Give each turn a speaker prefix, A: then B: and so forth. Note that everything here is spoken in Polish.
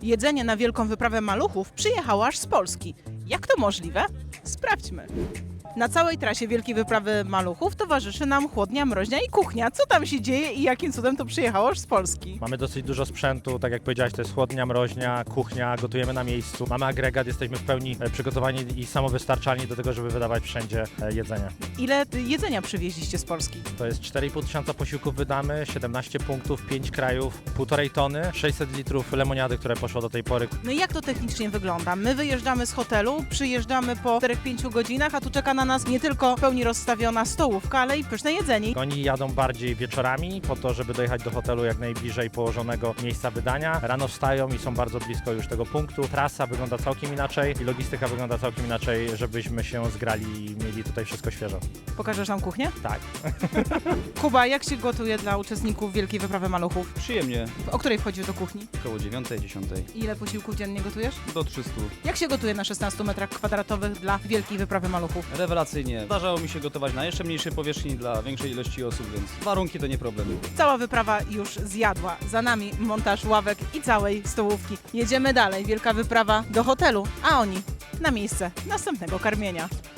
A: Jedzenie na Wielką Wyprawę Maluchów przyjechało aż z Polski. Jak to możliwe? Sprawdźmy. Na całej trasie Wielkiej Wyprawy Maluchów towarzyszy nam chłodnia, mroźnia i kuchnia. Co tam się dzieje i jakim cudem to przyjechało aż z Polski?
B: Mamy dosyć dużo sprzętu, tak jak powiedziałeś, to jest chłodnia, mroźnia, kuchnia, gotujemy na miejscu. Mamy agregat, jesteśmy w pełni przygotowani i samowystarczalni do tego, żeby wydawać wszędzie jedzenie.
A: Ile jedzenia przywieźliście z Polski?
B: To jest 4,5 tysiąca posiłków wydamy, 17 punktów, 5 krajów, 1,5 tony, 600 litrów lemoniady, które poszło do tej pory.
A: No i jak to technicznie wygląda? My wyjeżdżamy z hotelu, przyjeżdżamy po 4-5 godzinach, a tu czeka na nas nie tylko w pełni rozstawiona stołówka, ale i pyszne jedzenie.
B: Oni jadą bardziej wieczorami po to, żeby dojechać do hotelu jak najbliżej położonego miejsca wydania. Rano wstają i są bardzo blisko już tego punktu. Trasa wygląda całkiem inaczej i logistyka wygląda całkiem inaczej, żebyśmy się zgrali i mieli tutaj wszystko świeżo.
A: Pokażesz nam kuchnię?
B: Tak.
A: Kuba, jak się gotuje dla uczestników Wielkiej Wyprawy Maluchów?
C: Przyjemnie,
A: O której wchodzisz do kuchni?
C: około 9-10,
A: Ile posiłków dziennie gotujesz?
C: do 300.
A: Jak się gotuje na 16 metrach kwadratowych dla Wielkiej Wyprawy Maluchów?
C: Rewelacyjnie. Zdarzało mi się gotować na jeszcze mniejszej powierzchni dla większej ilości osób, więc warunki to nie problem.
A: Cała wyprawa już zjadła. Za nami montaż ławek i całej stołówki. Jedziemy dalej. Wielka wyprawa do hotelu, a oni na miejsce następnego karmienia.